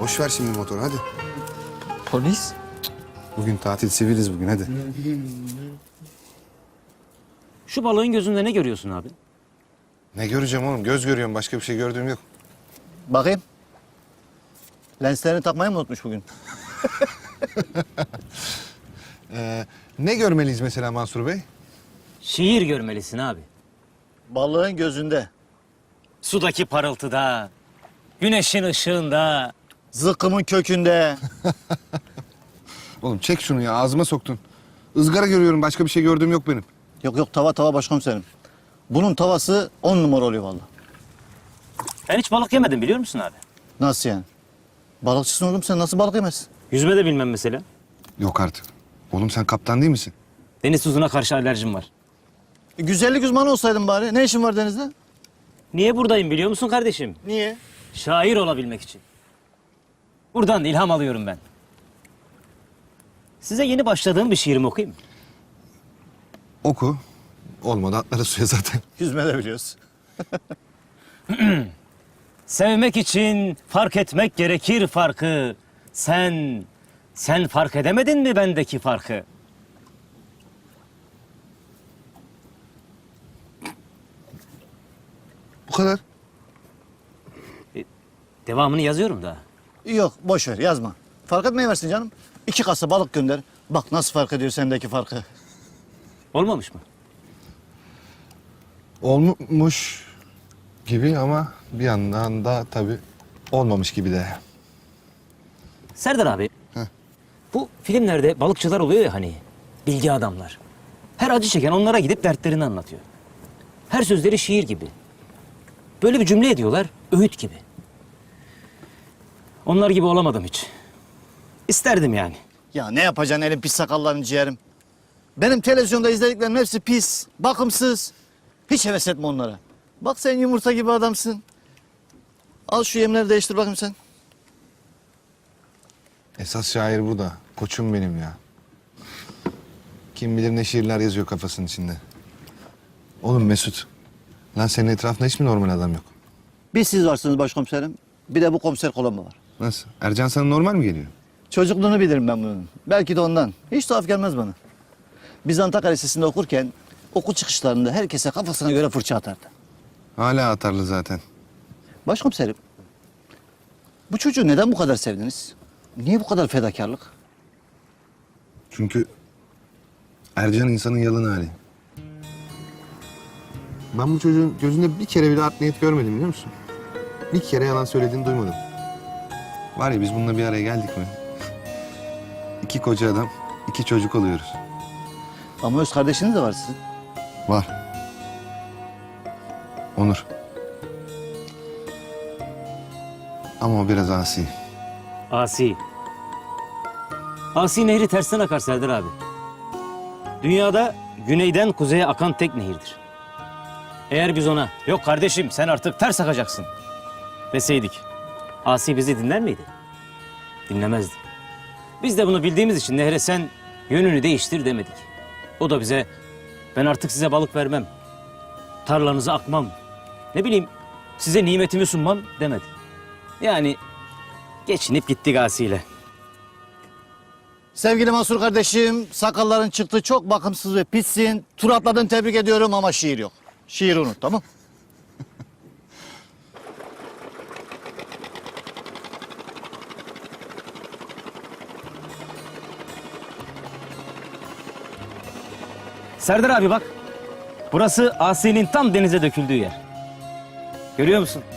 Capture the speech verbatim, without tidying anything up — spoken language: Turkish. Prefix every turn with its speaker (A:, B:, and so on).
A: Boş ver şimdi motoru hadi.
B: Polis?
A: Bugün tatil, siviliz bugün hadi.
C: Şu balığın gözünde ne görüyorsun abi?
A: Ne göreceğim oğlum? Göz görüyorum. Başka bir şey gördüğüm yok.
D: Bakayım. Lenslerini takmayı mı unutmuş bugün?
A: Ee, ne görmeliyiz mesela Mansur Bey?
C: Şiir görmelisin abi.
D: Balığın gözünde.
C: Sudaki parıltıda, güneşin ışığında.
D: Zıkkımın kökünde.
A: Oğlum çek şunu ya. Ağzıma soktun. Izgara görüyorum. Başka bir şey gördüğüm yok benim.
D: Yok yok tava tava başkomiserim. Bunun tavası on numara oluyor vallahi.
C: Ben hiç balık yemedim biliyor musun abi?
D: Nasıl yani? Balıkçısın oğlum sen nasıl balık yemezsin?
C: Yüzme de bilmem mesela.
A: Yok artık. Oğlum sen kaptan değil misin?
C: Deniz tuzuna karşı alerjim var.
D: E, güzellik uzmanı olsaydın bari. Ne işin var denizde?
C: Niye buradayım biliyor musun kardeşim?
D: Niye?
C: Şair olabilmek için. Buradan ilham alıyorum ben. Size yeni başladığım bir şiirimi okuyayım mı?
A: Oku. Olmadı atları suya zaten.
D: Yüzme de biliyoruz.
C: Sevmek için fark etmek gerekir farkı. Sen, sen fark edemedin mi bendeki farkı?
A: Bu kadar.
C: Devamını yazıyorum da.
D: Yok boş ver yazma. Fark etmeyi versin canım. İki kasa balık gönder. Bak nasıl fark ediyor sendeki farkı.
C: Olmamış mı?
A: Olmuş gibi ama bir yandan da tabii olmamış gibi de.
C: Serdar abi.
A: Heh.
C: Bu filmlerde balıkçılar oluyor ya hani. Bilgi adamlar. Her acı çeken onlara gidip dertlerini anlatıyor. Her sözleri şiir gibi. Böyle bir cümle ediyorlar, öğüt gibi. Onlar gibi olamadım hiç. İsterdim yani.
D: Ya ne yapacaksın elin pis sakallarını ciğerim? Benim televizyonda izlediklerim hepsi pis, bakımsız. Hiç heves etme onlara. Bak sen yumurta gibi adamsın. Al şu yemleri değiştir bakayım sen.
A: Esas şair bu da. Koçum benim ya. Kim bilir ne şiirler yazıyor kafasının içinde. Oğlum Mesut. Lan senin etrafında hiç mi normal adam yok?
D: Bir siz varsınız başkomiserim. Bir de bu komiser Kolombo var.
A: Nasıl? Ercan sana normal mi geliyor?
D: Çocukluğunu bilirim ben bunun. Belki de ondan. Hiç tuhaf gelmez bana. Biz Antakya Lisesi'nde okurken okul çıkışlarında herkese kafasına göre fırça atardı.
A: Hala atarlı zaten.
D: Başkomiserim, bu çocuğu neden bu kadar sevdiniz? Niye bu kadar fedakarlık?
A: Çünkü Ercan insanın yalın hali. Ben bu çocuğun gözünde bir kere bile art niyet görmedim biliyor musun? Bir kere yalan söylediğini duymadım. Var ya biz bununla bir araya geldik mi? İki koca adam, iki çocuk oluyoruz.
D: Ama öz kardeşiniz de var sizin.
A: Var. Onur. Ama o biraz asi.
C: Asi. Asi nehri tersten akar Serdar abi. Dünyada güneyden kuzeye akan tek nehirdir. Eğer biz ona, yok kardeşim sen artık ters akacaksın deseydik, Asi bizi dinler miydi? Dinlemezdi. Biz de bunu bildiğimiz için nehre sen yönünü değiştir demedik. O da bize, ben artık size balık vermem, tarlanızı akmam, ne bileyim size nimetimi sunmam demedi. Yani geçinip gittik Asi ile.
D: Sevgili Mansur kardeşim, sakalların çıktı çok bakımsız ve pissin. Tur atladın tebrik ediyorum ama şiir yok. Şiiri unut tamam.
C: Serdar abi bak, burası Asi'nin tam denize döküldüğü yer. Görüyor musun?